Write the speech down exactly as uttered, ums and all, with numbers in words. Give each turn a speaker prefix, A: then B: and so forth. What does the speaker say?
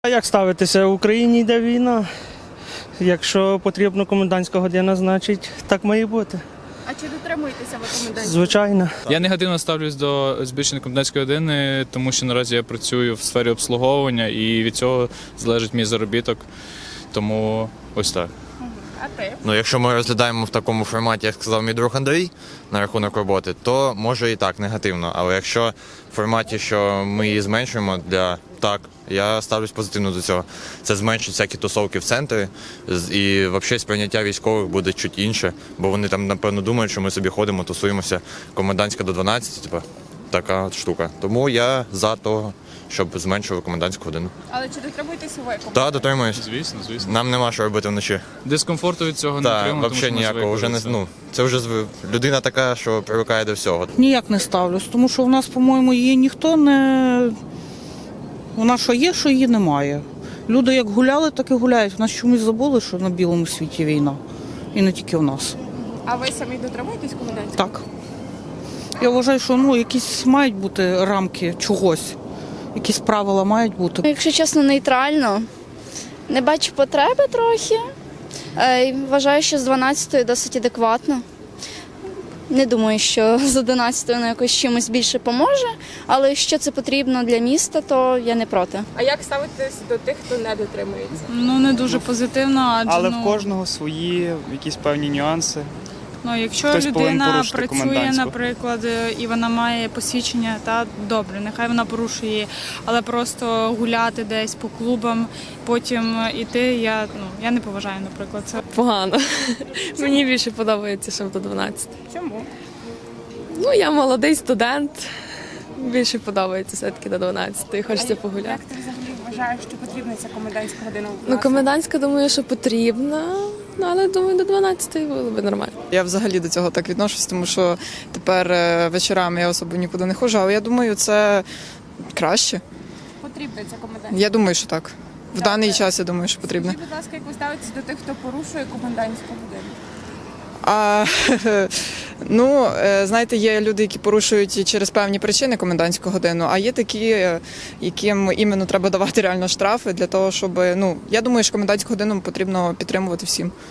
A: А як ставитися? В Україні йде війна. Якщо потрібна комендантська година, значить так має бути.
B: А чи дотримуєтеся ви комендантської?
A: Звичайно.
C: Я негативно ставлюсь до збільшення комендантської години, тому що наразі я працюю в сфері обслуговування і від цього залежить мій заробіток. Тому ось так.
B: А ти?
D: Ну, якщо ми розглядаємо в такому форматі, як сказав мій друг Андрій, на рахунок роботи, то може і так негативно. Але якщо в форматі, що ми її зменшуємо, для так, я ставлюсь позитивно до цього. Це зменшить всякі тусовки в центрі, з- і взагалі сприйняття військових буде чуть інше, бо вони там, напевно, думають, що ми собі ходимо, тусуємося, комендантська до дванадцяти, типу, така от штука. Тому я за того, щоб зменшувати комендантську годину.
B: Але чи дотримуєтеся ви комендантської?
D: Та, дотримуюсь.
C: Звісно, звісно.
D: Нам нема що робити вночі.
C: Дискомфорту від цього не
D: Так,
C: отримую, тому що
D: взагалі
C: ми
D: ніякого. Вже
C: звикли
D: не,
C: до цього.
D: ну, це вже зв- людина така, що привикає до всього.
E: Ніяк не ставлюсь, тому що в нас, по-моєму, її ніхто не. Вона що є, що її немає. Люди як гуляли, так і гуляють. В нас чомусь забули, що на білому світі війна. І не тільки в нас.
B: А ви самі дотримуєтесь комендантської?
E: Так. Я вважаю, що ну, якісь мають бути рамки чогось, якісь правила мають бути.
F: Якщо чесно, нейтрально. Не бачу потреби трохи. Е, і Вважаю, що з дванадцятої досить адекватно. Не думаю, що з одинадцятої воно якось чимось більше поможе, але якщо це потрібно для міста, то я не проти.
B: А як ставитесь до тих, хто не дотримується?
G: Ну, не дуже позитивно, адже
H: Але
G: ну,
H: в кожного свої якісь певні нюанси.
G: ну, якщо
H: хтось повинен
G: людина
H: порушити
G: працює,
H: комендантську.
G: наприклад, і вона має посвідчення, та добре, нехай вона порушує її, але просто гуляти десь по клубам, потім іти, я, ну, я не поважаю, наприклад, це.
I: Погано. Мені більше подобається, щоб до дванадцяти.
B: Чому?
I: Ну, я молодий студент. Більше подобається все-таки до дванадцяти. Хочеться погуляти.
B: Як ти взагалі вважаєш, що потрібна ця комендантська година? у
I: Ну,
B: вас?
I: комендантська, думаю, що потрібна. Ну, але думаю, до дванадцяти було б нормально.
J: Я взагалі до цього так відношусь, тому що тепер е, вечорами я особо нікуди не ходжу, але я думаю, це краще.
B: Потрібна ця комендантська?
J: Я думаю, що так. В
B: Так,
J: даний
B: так.
J: час я думаю, що потрібно.
B: Скажіть, будь ласка, як ви ставитесь до тих, хто порушує комендантську годину?
J: А ну, е, знаєте, є люди, які порушують через певні причини комендантську годину, а є такі, е, яким іменно треба давати реально штрафи для того, щоб, ну, я думаю, що комендантську годину потрібно підтримувати всім.